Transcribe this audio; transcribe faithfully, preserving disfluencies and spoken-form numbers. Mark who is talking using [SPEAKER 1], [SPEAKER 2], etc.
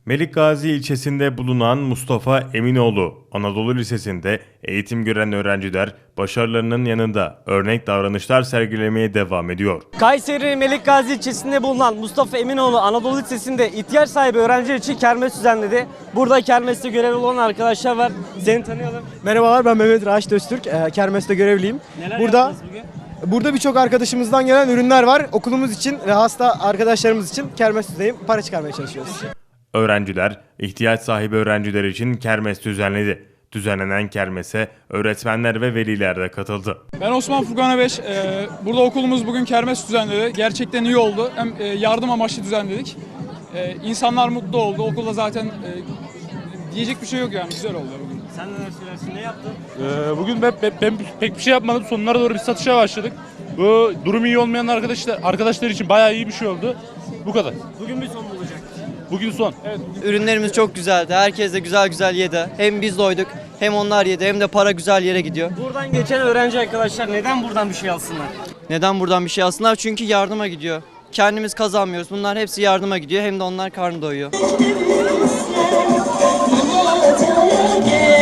[SPEAKER 1] Melikgazi ilçesinde bulunan Mustafa Eminoğlu Anadolu Lisesi'nde eğitim gören öğrenciler başarılarının yanında örnek davranışlar sergilemeye devam ediyor.
[SPEAKER 2] Kayseri Melikgazi ilçesinde bulunan Mustafa Eminoğlu Anadolu Lisesi'nde ihtiyaç sahibi öğrenciler için kermes düzenledi. Burada kermeste görevli olan arkadaşlar var. Seni tanıyalım.
[SPEAKER 3] Merhabalar, ben Mehmet Raşit Öztürk. Ee, Kermes'te görevliyim.
[SPEAKER 2] Neler
[SPEAKER 3] Burada
[SPEAKER 2] yaptınız bugün?
[SPEAKER 3] burada birçok arkadaşımızdan gelen ürünler var. Okulumuz için ve hasta arkadaşlarımız için kermesteyim. Para çıkarmaya çalışıyoruz.
[SPEAKER 1] Öğrenciler ihtiyaç sahibi öğrenciler için kermes düzenledi. Düzenlenen kermese öğretmenler ve veliler de katıldı.
[SPEAKER 4] Ben Osman Furkan Öbeş. Ee, burada okulumuz bugün kermes düzenledi. Gerçekten iyi oldu. Hem e, yardım amaçlı düzenledik. Ee, insanlar mutlu oldu. Okulda zaten e, diyecek bir şey yok yani. Güzel oldu bugün.
[SPEAKER 2] Sen neler söylersin? Ne yaptın?
[SPEAKER 5] Ee, bugün ben, ben, ben pek bir şey yapmadım. Sonlara doğru bir satışa başladık. Bu durum iyi olmayan arkadaşlar arkadaşlar için bayağı iyi bir şey oldu. Bu kadar.
[SPEAKER 2] Bugün bir son olacak.
[SPEAKER 5] Bugün son.
[SPEAKER 4] Evet, bugün
[SPEAKER 6] Ürünlerimiz çok güzeldi. Herkes de güzel güzel yedi. Hem biz doyduk hem onlar yedi hem de para güzel yere gidiyor.
[SPEAKER 2] Buradan geçen öğrenci arkadaşlar neden buradan bir şey alsınlar?
[SPEAKER 6] Neden buradan bir şey alsınlar? Çünkü yardıma gidiyor. Kendimiz kazanmıyoruz. Bunlar hepsi yardıma gidiyor. Hem de onlar karnı doyuyor.